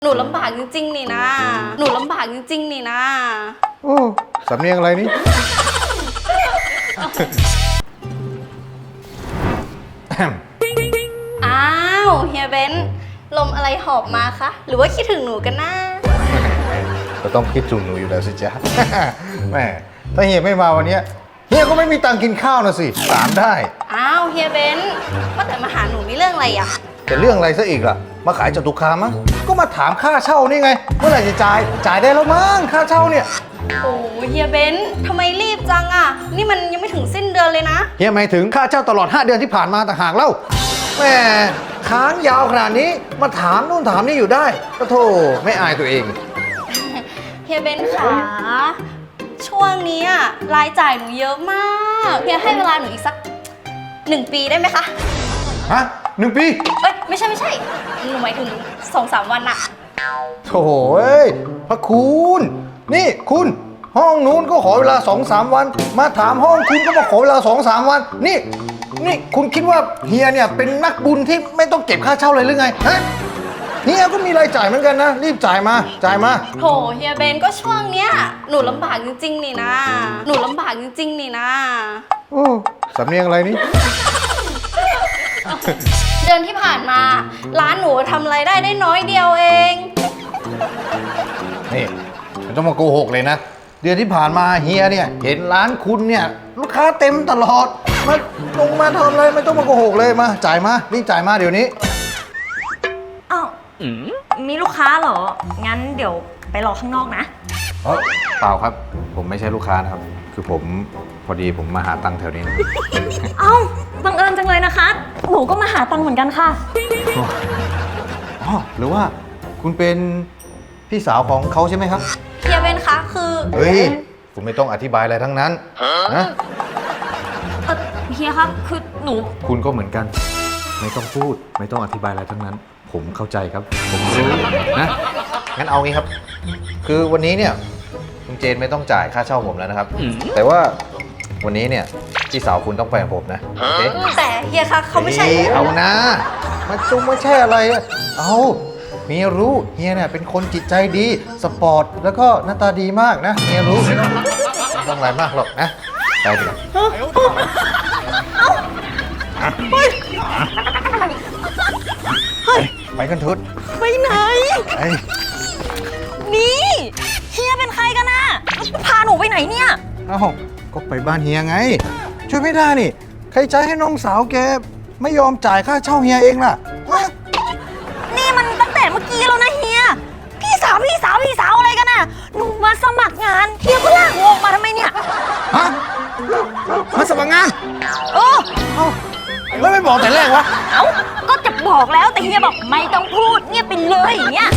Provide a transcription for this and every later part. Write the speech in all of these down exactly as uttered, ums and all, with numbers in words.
หนูลำบากจริงๆนี่นะ หนูลำบากจริงๆนี่นะโอ้สำเนียงอะไรนี่อ้าวเฮียเบนซ์ลมอะไรหอบมาคะ หรือว่าคิดถึงหนูกันนะก็ต้องคิดถึงหนูอยู่แล้วสิจ๊ะ แม่ถ้าเฮียไม่มาวันนี้เฮียก็ไม่มีตังค์กินข้าวนะสิถามได้อ้าวเฮียเบนซ์ว่าแต่มาหาหนูมีเรื่องอะไรอ่ะแต่เรื่องอะไรซะอีกล่ะมาขายจตุคามมั้งก็มาถามค่าเช่านี่ไงเมื่อไหร่จะจ่ายจ่ายได้แล้วมั้งค่าเช่าเนี่ยโอ้เฮียเบนซ์ทำไมรีบจังอ่ะ นี่มันยังไม่ถึงสิ้นเดือนเลยนะเฮียหมายถึงค่าเช่าตลอดห้าเดือนที่ผ่านมาต่างหากเล่าแม่ค้างยาวขนาดนี้มาถามนู่นถามนี่อยู่ได้ก็โธ่ไม่อายตัวเองเฮียเบนซ์ขาช่วงนี้อะรายจ่ายหนูเยอะมากเฮียให้เวลาหนูอีกสักหนึ่งปีได้ไหมคะฮะหนึ่งปีเอ้ยไม่ใช่ไม่ใช่ หนูหมายถึงสองสามวันอะโถ่เอ้ยพระคุณนี่คุณห้องนู้นก็ขอเวลาสองสามวัน มาถามห้องคุณก็มาขอเวลาสองสามวันนี่นี่คุณคิดว่าเฮียเนี่ยเป็นนักบุญที่ไม่ต้องเก็บค่าเช่าเลยหรือไงฮะเฮียก็มีรายจ่ายเหมือนกันนะรีบจ่ายมาจ่ายมาโถเฮียเบนก็ช่วงเนี้ยหนูลำบากจริงๆนี่นะ หนูลำบากจริงๆนี่นะโอ้สำเนียงอะไรนี่เดือนที่ผ่านมา ร้านหนูทำรายได้ได้น้อยเดียวเองนี่ไม่ต้องมาโกหกเลยนะเดือนที่ผ่านมาเฮียเนี่ยเห็นร้านคุณเนี่ยลูกค้าเต็มตลอดมาลงมาทำอะไรไม่ต้องมาโกหกเลยมาจ่ายมารีบจ่ายมาเดี๋ยวนี้อ้าวมีลูกค้าเหรอ งั้นเดี๋ยวไปรอข้างนอกนะเอ้าเปล่าครับผมไม่ใช่ลูกค้านะครับคือผมพอดีผมมาหาตังค์แถวนี้นะเอ้าบังเอิญจังเลยนะคะ หนูก็มาหาตังค์เหมือนกันค่ะอ๋อหรือว่าคุณเป็นพี่สาวของเขาใช่ไหมครับเฮียเบนคะคือเฮ้ยคุณไม่ต้องอธิบายอะไรทั้งนั้นนะเอ่อเฮียครับ คือหนูคุณก็เหมือนกัน ไม่ต้องพูดไม่ต้องอธิบายอะไรทั้งนั้น ผมเข้าใจครับ ผมรู้นะงั้นเอางี้ครับ คือวันนี้เนี่ยคุณเจนไม่ต้องจ่ายค่าเช่าผมแล้วนะครับ แต่ว่าวันนี้เนี่ยพี่สาวคุณต้องไปกับผมนะโอเคแต่เฮียคะเขาไม่ใช่ฮ้ยเอานะ มาจุงไม่ใช่อะไรอะเอาเมียรู้เฮียเนี่ยเป็นคนจิตใจดีสปอร์ตแล้วก็หน้าตาดีมากนะเมียรู้ไม่ต้องไม่ต้องอะไรมากหรอกนะไปดีกว่าไปกันทุดไปไหนไปนี่เฮียเป็นใครกันนะพาหนูไปไหนเนี่ยเอ้าก็ไปบ้านเฮียไง ช่วยไม่ได้นี่ ใครใจให้น้องสาวแกไม่ยอมจ่ายค่าเช่าเฮียเองล่ะฮะนี่มันตั้งแต่เมื่อกี้แล้วนะเฮีย พี่สาวพี่สาวพี่สาวอะไรกันน่ะ หนูมาสมัครงานเฮียก็ลากหนูออกมาทำไมเนี่ยฮะมาสมัครงานเออเอ้าแล้วไม่บอกแต่แรกวะเอ้า ก็จะบอกแล้วแต่เฮียบอกไม่ต้องพูดเงียบไปเลยอย่างเงี้ย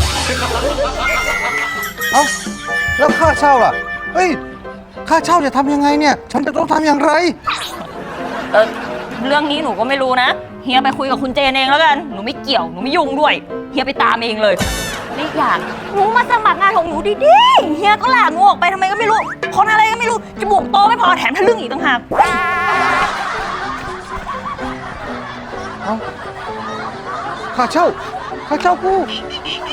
เอ้าแล้วค่าเช่าล่ะ เฮ้ย ค่าเช่าจะทำยังไงเนี่ย ฉันจะต้องทำอย่างไรเออเรื่องนี้หนูก็ไม่รู้นะ เฮียไปคุยกับคุณเจนเองแล้วกัน หนูไม่เกี่ยว หนูไม่ยุ่งด้วย เฮียไปตามเองเลยนี่อย่างหนูมาสมัครงานของหนูดีๆ เฮียก็ลากหนูออกไปทำไมก็ไม่รู้ คนอะไรก็ไม่รู้ จมูกโตไม่พอแถมทะลึ่งอีกต่างหากเอ้าค่าเช่า ค่าเช่ากู